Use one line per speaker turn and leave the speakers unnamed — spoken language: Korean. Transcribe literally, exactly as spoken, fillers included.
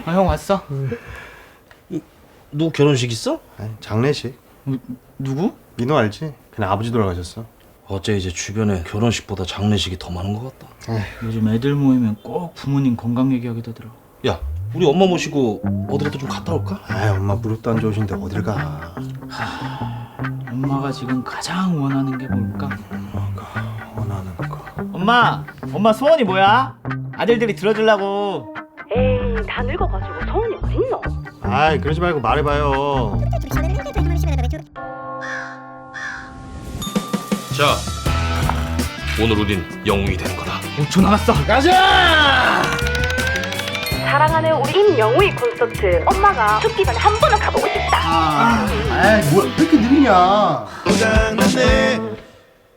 아, 형 왔어?
너 결혼식 있어?
아니, 장례식.
어, 누구?
민호 알지? 그냥 아버지 돌아가셨어.
어째 이제 주변에 결혼식보다 장례식이 더 많은 것 같다.
요즘 애들 모이면 꼭 부모님 건강 얘기하게 되더라.
야, 우리 엄마 모시고 어디라도 좀 갔다 올까?
아, 엄마 무릎도 안 좋으신데 어딜 가?
엄마가 지금 가장 원하는 게 뭘까?
엄마가 원하는 거.
엄마! 엄마 소원이 뭐야? 아들들이 들어주려고.
에이, 다 늙어가지고 소원이 어딨노?
아이, 그러지 말고 말해봐요.
자, 오늘 우린 영웅이 되는 거다.
오 초 남았어.
가자!
사랑하는 우리 임영웅의 콘서트 엄마가 죽기 전에 한 번은 가보고 싶다.
아, 아이, 뭐야, 왜 이렇게 느리냐?
고장났네